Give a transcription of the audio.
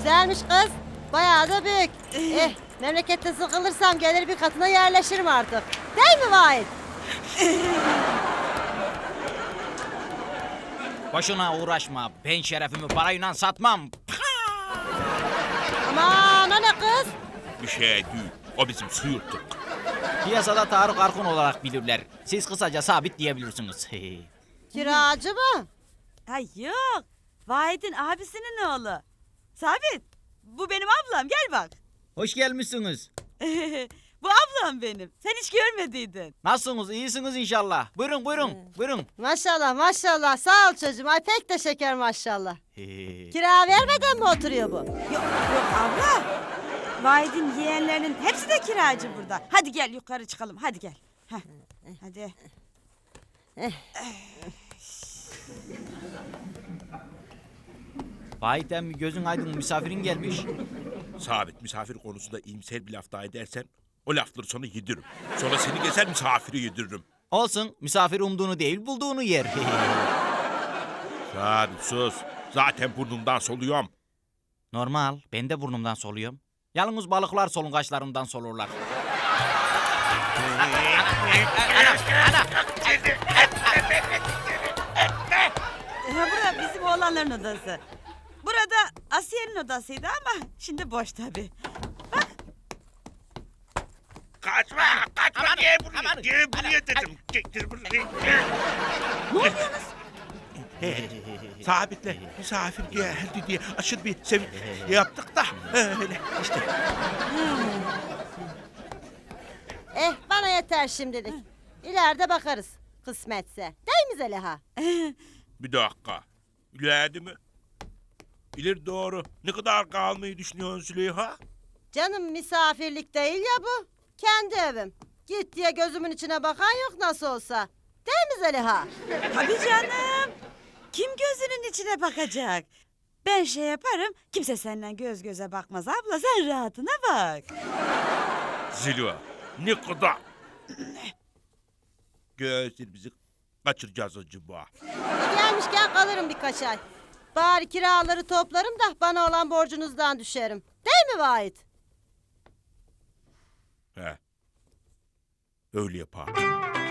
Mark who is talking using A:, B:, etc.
A: Güzelmiş kız. Bayağı da büyük. Memlekette sıkılırsam gelir bir katına yerleşirim artık. Değil mi Vahit?
B: Boşuna uğraşma. Ben şerefimi parayla satmam.
A: Aman o ne kız?
C: Bir şey değil. O bizim suyurttuk.
B: Piyasada Tarık Arkun olarak bilirler. Siz kısaca Sabit diyebilirsiniz.
A: Kiracı mı?
D: Ay yok. Vahit'in abisinin oğlu. Sabit. Bu benim ablam. Gel bak.
B: Hoş gelmişsiniz.
D: Bu ablam benim. Sen hiç görmediydin.
B: Nasılsınız? İyisiniz inşallah. Buyurun buyurun. Buyurun.
A: Maşallah maşallah. Sağ ol çocuğum. Ay pek de şeker maşallah. Kira vermeden mi oturuyor bu?
D: Yok abla. Vahit'in yeğenlerinin hepsi de kiracı burada. Hadi gel yukarı çıkalım. Hadi gel. Heh. Hadi.
B: Vahit emmi gözün aydın, misafirin gelmiş.
C: Sabit misafir konusunda iyimser bir laf daha edersen o lafları sonra yediririm. Sonra seni gezer misafiri yediririm.
B: Olsun, misafir umduğunu değil bulduğunu yer.
C: Sabit sus. Zaten burnumdan soluyorum.
B: Normal, ben de burnumdan soluyorum. Yalnız balıklar solungaçlarından solurlar.
D: Bura bizim oğlanların odası. Burada Asiye'nin odasıydı ama şimdi boş tabii.
C: Kaçma, kaçma. Gel buraya, gel buraya dedim. Gel buraya.
D: Ne oluyorsunuz?
C: Sabit'le misafir geldi diye aşırı bir sevinç yaptık da öyle işte.
A: Bana yeter şimdilik. İleride bakarız. Kısmetse. Değil mi Zeliha?
C: Bir dakika. İleride mi? İleri doğru. Ne kadar kalmayı düşünüyorsun Züleyha?
A: Canım misafirlik değil ya bu. Kendi evim. Git diye gözümün içine bakan yok nasıl olsa. Değil mi Zeliha?
D: Tabii canım. Kim gözünün içine bakacak? Ben şey yaparım, kimse senden göz göze bakmaz abla, sen rahatına bak.
C: Züleyha. Ne kadar? Gözlerimizi kaçıracağız acaba.
A: Gelmişken kalırım birkaç ay. Bari kiraları toplarım da bana olan borcunuzdan düşerim. Değil mi Vahit?
C: He. Öyle yapalım.